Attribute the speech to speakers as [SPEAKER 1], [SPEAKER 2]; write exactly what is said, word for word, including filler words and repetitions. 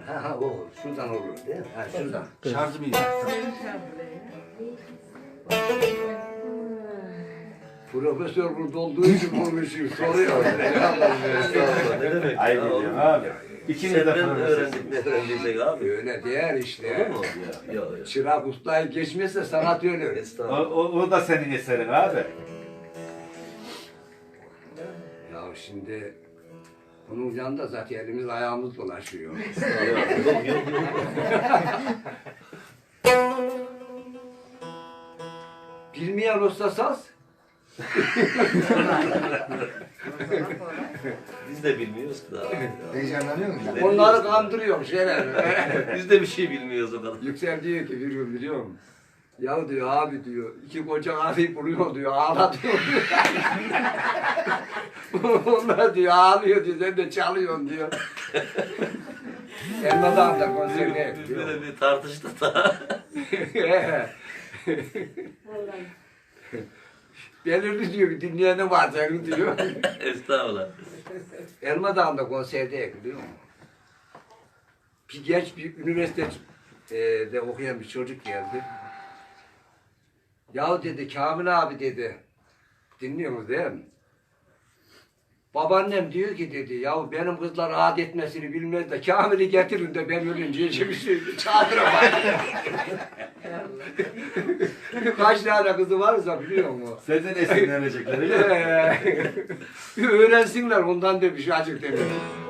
[SPEAKER 1] Ha ha o şuradan olur değil mi? Ha şuradan.
[SPEAKER 2] Şarjım iyi.
[SPEAKER 1] Profesör burada olduğu için konuşuyor, soruyor.
[SPEAKER 3] Ne demek?
[SPEAKER 2] Ay
[SPEAKER 3] ya,
[SPEAKER 2] biliyorum
[SPEAKER 3] oğlum?
[SPEAKER 2] abi. İkiniz de
[SPEAKER 3] Senden
[SPEAKER 2] profesörsünüz.
[SPEAKER 3] öğrendik ne öğrendiysek abi.
[SPEAKER 1] Öyle değil işte.
[SPEAKER 3] Olur mu? Ya, ya, ya.
[SPEAKER 1] Çırak ustayı geçmezse sanat öyle.
[SPEAKER 2] O,
[SPEAKER 3] Estağfurullah.
[SPEAKER 2] o, o da senin eserin abi.
[SPEAKER 1] Ya şimdi bunun yanında zaten elimiz ayağımız dolaşıyor.
[SPEAKER 3] Ya, yok yok yok.
[SPEAKER 1] Bilmeyen usta saz,
[SPEAKER 3] Biz de bilmiyoruz ki daha.
[SPEAKER 4] Heyecanlanıyor musun?
[SPEAKER 3] Ne
[SPEAKER 1] onları
[SPEAKER 3] diyorsun?
[SPEAKER 1] kandırıyor şeyler.
[SPEAKER 3] Biz de bir şey bilmiyoruz o kadar.
[SPEAKER 1] Yüksel diyor ki bir gün biliyor musun? Ya diyor abi diyor, iki koca abi buluyor diyor, ağlatıyor diyor. Onlar diyor ağlıyor diyor, sen de çalıyorsun diyor. Elmadan da konserine
[SPEAKER 3] Biz
[SPEAKER 1] biliyor
[SPEAKER 3] böyle bir tartıştık da.
[SPEAKER 1] Belirli diyor, bir dinleyeni var senin diyor.
[SPEAKER 3] Estağfurullah.
[SPEAKER 1] Elma Dağı'nda konserde biliyor musun? Bir genç bir üniversitede okuyan bir çocuk geldi. Ya dedi Kamil abi dedi. Dinliyor musun değil mi? Babaannem diyor ki dedi ya benim kızlar rahat etmesini bilmez de Kamil'i getirin de ben ölünce bir şey çadıra bak. Kaç tane kızı varsa biliyor musun?
[SPEAKER 2] Senden esinlenecekler öyle mi?
[SPEAKER 1] Öğrensinler ondan demiş acık demiş.